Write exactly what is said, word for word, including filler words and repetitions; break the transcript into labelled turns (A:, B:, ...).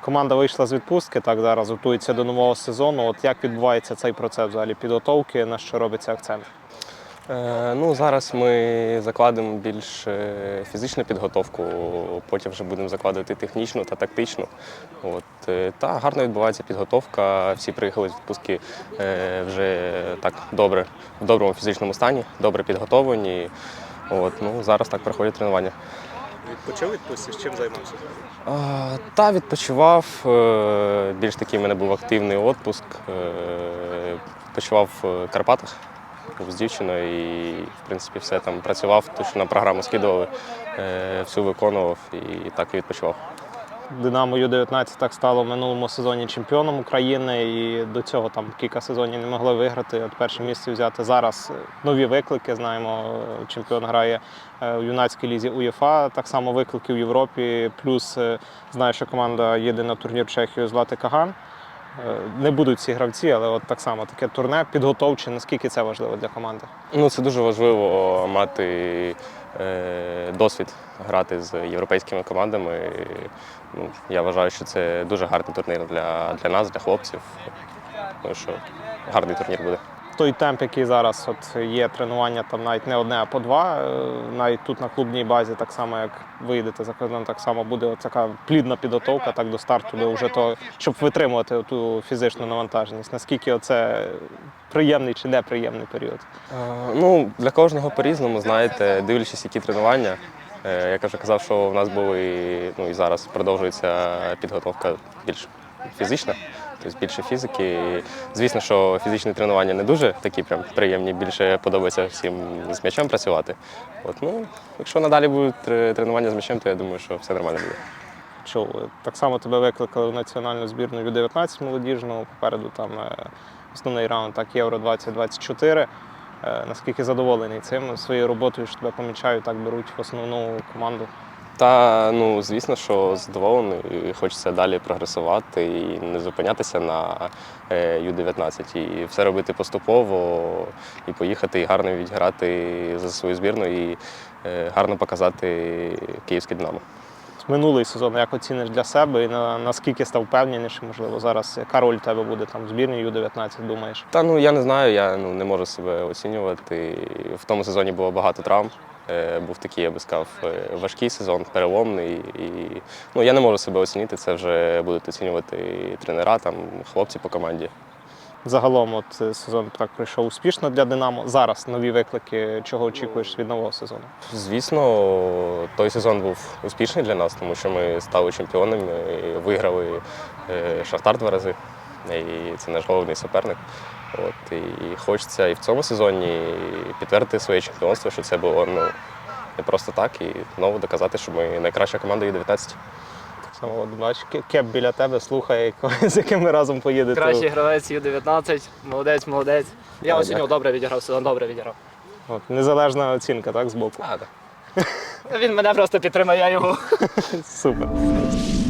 A: Команда вийшла з відпустки, так зараз готується до нового сезону. От як відбувається цей процес взагалі підготовки, на що робиться акцент?
B: Е, ну, зараз ми закладемо більш е, фізичну підготовку, потім вже будемо закладати технічну та тактичну. От, е, та гарно відбувається підготовка. Всі приїхали з відпустки е, вже так добре, в доброму фізичному стані, добре підготовлені. От, ну, зараз так проходять тренування.
A: Відпочив відпустці, з чим займався?
B: А, Та відпочивав. е, Більш такий в мене був активний відпуск. е, Відпочивав в Карпатах. Був з дівчиною і, в принципі, все там працював, тому що на програму скидували, е, всю виконував і так і відпочивав.
A: Динамо Ю дев'ятнадцять так стало в минулому сезоні чемпіоном України і до цього там кілька сезонів не могли виграти, от перше місце взяти. Зараз нові виклики, знаємо, чемпіон грає в юнацькій лізі УЄФА, так само виклики в Європі, плюс знаю, що команда їде на турнір в Чехію Злати Каган. Не будуть ці гравці, але от так само таке турне підготовче, наскільки це важливо для команди?
B: Ну, це дуже важливо мати е, досвід грати з європейськими командами. Ну, я вважаю, що це дуже гарний турнір для, для нас, для хлопців. Тому що гарний турнір буде.
A: Той темп, який зараз от є тренування, там навіть не одне, а по два, навіть тут на клубній базі, так само як виїдете за кордон, так само буде така плідна підготовка так до старту, до вже того, щоб витримувати ту фізичну навантаженість. Наскільки це приємний чи неприємний період?
B: Е, ну, для кожного по-різному, знаєте, дивлячись, які тренування. Е, як я вже казав, що в нас були, ну і зараз продовжується підготовка більш фізична. Тобто більше фізики. Звісно, що фізичні тренування не дуже такі прям приємні, більше подобається всім з м'ячем працювати. От, ну, якщо надалі будуть тренування з м'ячем, то я думаю, що все нормально буде.
A: Чув, так само тебе викликали в національну збірну Ю дев'ятнадцять молодіжну, попереду там основний раунд, так, Євро двадцять двадцять чотири. Наскільки задоволений цим, своєю роботою, що тебе помічають, так беруть в основну команду?
B: Та, ну, звісно, що задоволений, і хочеться далі прогресувати і не зупинятися на Ю дев'ятнадцять. І все робити поступово, і поїхати, і гарно відіграти за свою збірну, і гарно показати київське «Динамо».
A: Минулий сезон як оціниш для себе і на, наскільки став впевненіше, можливо, зараз яка роль у тебе буде там в збірні Ю дев'ятнадцять, думаєш?
B: Та, ну, я не знаю, я ну, не можу себе оцінювати. В тому сезоні було багато травм. Був такий, я би сказав, важкий сезон, переломний. І, ну, я не можу себе оцінити, це вже будуть оцінювати тренера, там, хлопці по команді.
A: Загалом от сезон так пройшов успішно для «Динамо». Зараз нові виклики, чого очікуєш від нового сезону?
B: Звісно, той сезон був успішний для нас, тому що ми стали чемпіонами, виграли «Шахтар» два рази, і це наш головний суперник. От, і хочеться і в цьому сезоні підтвердити своє чемпіонство, що це було ну, не просто так, і знову доказати, що ми найкраща команда Ю дев'ятнадцять.
A: Так само, от, бачиш, Кеп біля тебе слухає, з яким ми разом поїдете.
C: Кращий гравець Ю дев'ятнадцять, молодець, молодець. Я оцінював, добре відіграв, сезон добре відіграв.
A: От, незалежна оцінка, так, з боку?
B: А, так.
C: Він мене просто підтримав, я його.
A: Супер.